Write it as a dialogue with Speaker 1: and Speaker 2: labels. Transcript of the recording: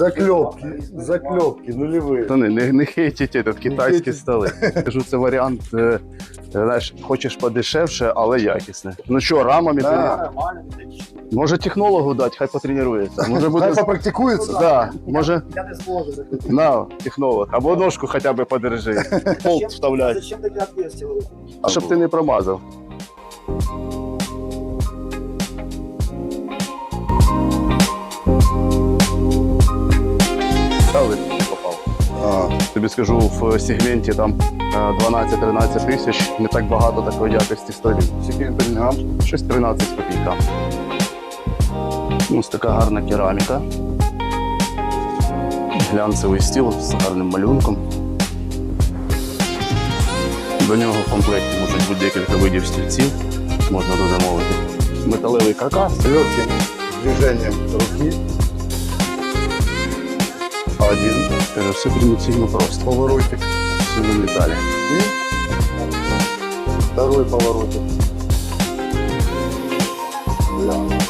Speaker 1: Заклепки нулевые.
Speaker 2: Та не хейтіть этот, китайські столи. Кажу, це варіант, знаєш, хочеш подешевше, але якісне. Ну що, рамами?
Speaker 1: Да.
Speaker 2: Може технологу дати, хай потренується. Може буде...
Speaker 1: Хай попрактикуется.
Speaker 2: Да, може,
Speaker 3: Я не зможу закрити.
Speaker 2: на, технолог. Або ножку хоча б подержи. Болт вставляй.
Speaker 3: Зачем таке отверстие?
Speaker 2: А щоб ти не промазав. Стави попав. Тобі скажу, в сегменті там 12-13 тисяч не так багато такої якості столів.
Speaker 1: Скільки Белінгам?
Speaker 2: Щось 13 копійка. Ось така гарна кераміка. Глянцевий стіл з гарним малюнком. До нього в комплекті можуть бути декілька видів стільців. Можна дозамовити. Металевий каркас.
Speaker 1: С легким движением руки. Один.
Speaker 2: Це все примітивно просто.
Speaker 1: Поворотик.
Speaker 2: Все на металі.
Speaker 1: И второй поворотик. Да.